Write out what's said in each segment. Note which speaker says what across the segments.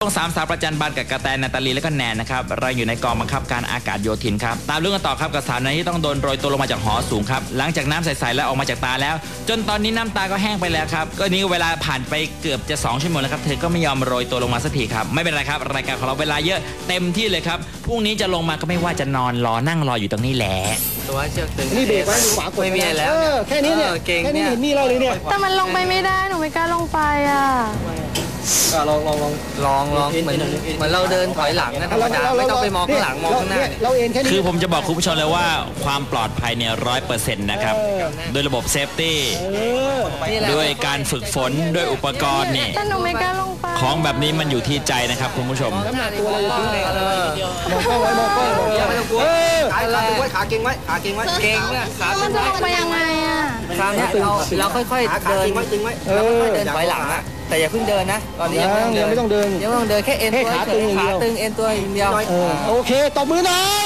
Speaker 1: งสามสาวประจันบานกับกระแตนาตาลีและก็แนนนะครับเราอยู่ในกองบังคับการอากาศโยธินครับตามเรื่องกันต่อครับกับสาวนั้นที่ต้องโดนโรยตัวลงมาจากหอสูงครับหลังจากน้ำใสๆแล้วออกมาจากตาแล้วจนตอนนี้น้ำตาก็แห้งไปแล้วครับก็นี้เวลาผ่านไปเกือบจะ2 ชั่วโมงแล้วครับเธอก็ไม่ยอมโรยตัวลงมาสักทีครับไม่เป็นไรครับรายการของเราเวลาเยอะเต็มที่เลยครับพรุ่งนี้จะลงมาก็ไม่ว่าจะนอนรอนั่งรออยู่ตรงนี้แหละ
Speaker 2: ตัวเชือกตึง
Speaker 3: นี่เบรกไว้ดูขวากด
Speaker 2: ไม่มีอะไรแล้ว
Speaker 3: แค่นี้เนี่ยแค่นี้เห็นมีเราเลยเนี่ย
Speaker 4: แต่มันลงไปไม่ได้หนูไม่กล้าลงไปอ่ะ
Speaker 3: ก็ลอง
Speaker 2: เหมือนเราเดินถอยหลังนะธรรมดาไม่ต้องไปมองข้างหลังมองข้างหน้า
Speaker 3: เราเองแค่นี้
Speaker 1: คือผมจะบอกคุณผู้ชมเลยว่าความปลอดภัยเนี่ย100%นะครับโดยระบบเซฟตี้ด้วยการฝึกฝนด้วยอุปกรณ์นี่
Speaker 4: แต่หนูไม่กล้าลงไป
Speaker 1: ของแบบนี้มันอยู่ที่ใจนะครับคุณผู้ชม
Speaker 3: น้ำหนักตัวเราอยู่ที่มองกล้องไว้ไม่ต้องกลัวขาเก่งไว้ขาเก่งไว้
Speaker 2: เก่งเนี่ยขา
Speaker 4: มันจะลงไปยังไงอ่ะ
Speaker 2: คราวนี้เราค่อยๆเดินเราค่อยๆเดินถอยหลังนะแต่อย่าเพิ่งเดินนะตอนนี้
Speaker 3: ยังไม่ต้องเดิน
Speaker 2: แค่เอ็นตัวขาตึงเอ็นตัวอย่างเดียว
Speaker 3: โอเคตบมือหน่อย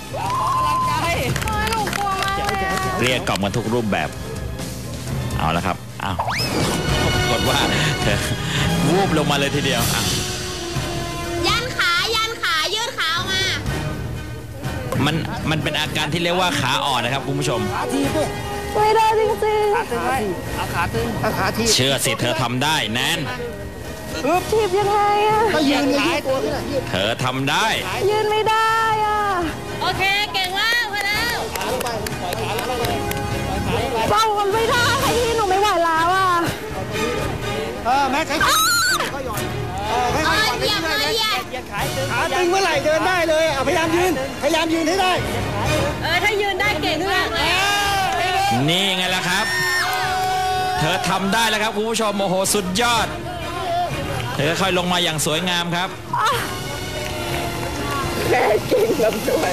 Speaker 4: หนูกลัวมาก
Speaker 1: เรียกกล่อมกันทุกรูปแบบเอาละครับอ้าวกดว่าเธอวูบลงมาเลยทีเดียว
Speaker 4: ยันขายืดขาออกมา
Speaker 1: มันเป็นอาการที่เรียกว่าขาอ่อนนะครับคุณผู้ชม
Speaker 4: ไม่ได้จริง
Speaker 2: ขาตึงไว้เอาขาตึง
Speaker 3: ขาที
Speaker 1: เชื่อสิเธอทำได้แนน
Speaker 4: ทีบยังไงอ่ะ
Speaker 3: ก็ยืนเลย
Speaker 1: เธอทำได้
Speaker 4: ยืนไม่ได้อ่ะโอเคเก่งมากพอแล้วฟังมันไม่ได้ที่หนูไม่ไหวแล้วอ่ะ
Speaker 3: แม่ใช้ก็หย่อน
Speaker 4: เหยียบ
Speaker 3: ขาตึงเมื่อไหร่เดินได้เลยพยายามยืนให้ได้
Speaker 4: ถ้ายืนได้เก่งมากเลย
Speaker 1: นี่ไงล่ะครับเธอทำได้แล้วครับคุณผู้ชมโอ้โหสุดยอดเธอค่อยลงมาอย่างสวยงามครับ
Speaker 3: แม่เก่งลำด้วย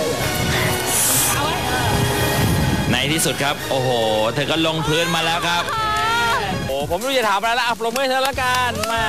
Speaker 1: ในที่สุดครับโอ้โหเธอก็ลงพื้นมาแล้วครับโอ้ผมไม่รู้จะถามอะไรแล้วปรบมือเธอละกันมา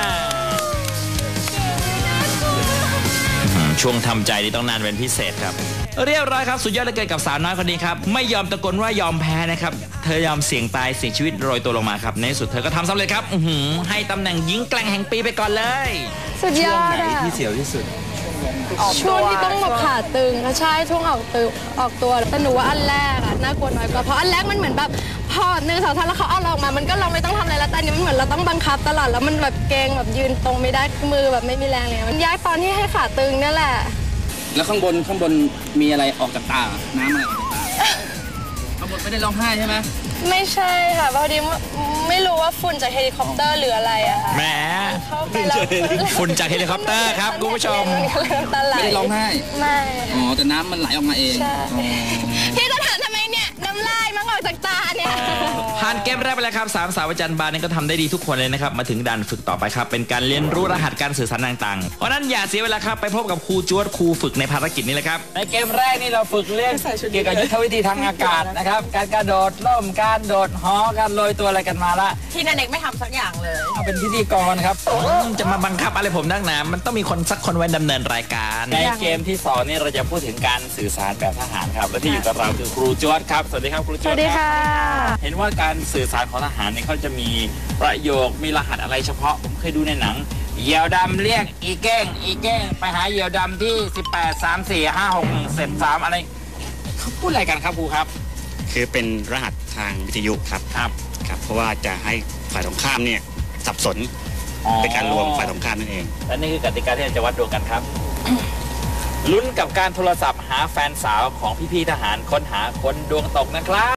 Speaker 1: ช่วงทำใจนี่ต้องนานเป็นพิเศษครับเรียบร้อยครับสุดยอดเลยเกินกับสาวน้อยคนนี้ครับไม่ยอมตะโกนว่ายอมแพ้นะครับเธอยอมเสี่ยงตายเสี่ยงชีวิตโรยตัวลงมาครับในที่สุดเธอก็ทำสำเร็จครับให้ตำแหน่งหญิงแกร่งแห่งปีไปก่อนเลย
Speaker 4: สุดยอด
Speaker 2: ช่วงไหนที่เสียวที่สุด
Speaker 4: ช่วงที่ต้องแบบขาตึงใช่ช่วงออกตัวแต่หนูว่าอันแรกอะน่ากลัวน้อยกว่าเพราะอันแรกมันเหมือนแบบพอ1 2 3แล้วเขาเอาเราออกมามันก็เราไม่ต้องทำอะไรแล้วแต่อันนี้มันเหมือนเราต้องบังคับตลอดแล้วมันแบบเกรงแบบยืนตรงไม่ได้มือแบบไม่มีแรงเลยมันยากตอนที่ให้ขาตึงนี่แหละ
Speaker 2: แล้วข้างบนมีอะไรออกจากตาน้ำอะไรออกจากตาข้างบนไม่ได้ร้องไห้ใช่ไหม
Speaker 4: ไม่ใช่ค่ะพอดีไม่รู้ว่าฝุ่นจากเฮลิคอปเตอร์หรืออะไรอะค่ะ
Speaker 1: แหมฝุ่นจากเฮลิคอปเตอร์ครับคุณผู้ชม
Speaker 2: ไม่ได้ร้องไห้
Speaker 4: ไม่
Speaker 2: แต่น้ำมันไหลออกมาเอง
Speaker 4: พี่จะถามทำไมเนี่ยน้ำลายมันออกจากตาเนี่ย
Speaker 1: ผ่านเกมแรกไปแล้วครับ3 สาวประจันบานนี่ก็ทำได้ดีทุกคนเลยนะครับมาถึงด่านฝึกต่อไปครับเป็นการเรียนรู้รหัสการสื่อสารต่างๆเพราะนั้นอย่าเสียเวลาครับไปพบกับครูจวดครูฝึกในภารกิจนี้เลยครับในเกมแรกนี่เราฝึกเรื่องเกี่ยวกับยุทธวิธีทางอากาศนะครับการกระโดดร่มการโดดหอการโรยตัวอะไรกันมาละ
Speaker 4: ที่นันเอกไม่ทำสักอย่างเลย
Speaker 1: เอาเป็นพิธีกรครับจะมาบังคับอะไรผมนักหนามันต้องมีคนสักคนไว้ดำเนินรายการในเกมที่2นี่เราจะพูดถึงการสื่อสารแบบทหารครับและที่อยู่กับเราคือครูจวดครับสวัสดีครับครูจวด
Speaker 4: สวัสดีค่ะ
Speaker 1: เห็นว่าการสื่อสารของทหารเนี่ยเขาจะมีประโยคมีรหัสอะไรเฉพาะผมเคยดูในหนังเหยี่ยวดำเรียกอีแก้งไปหาเหยี่ยวดำที่18 3 4 5 6 1 7 3อะไรเขาพูดอะไรกันครับครูครับ
Speaker 5: คือเป็นรหัสทางวิทยุครับเพราะว่าจะให้ฝ่ายตรงข้ามเนี่ยสับสนเป็นการรวมฝ่ายตรงข้ามนั่นเอง
Speaker 1: และนี่คือกติกาที่เราจะวัดดวงกันครับลุ้นกับการโทรศัพท์หาแฟนสาวของพี่ๆทหารค้นหาคนดวงตกนะครับ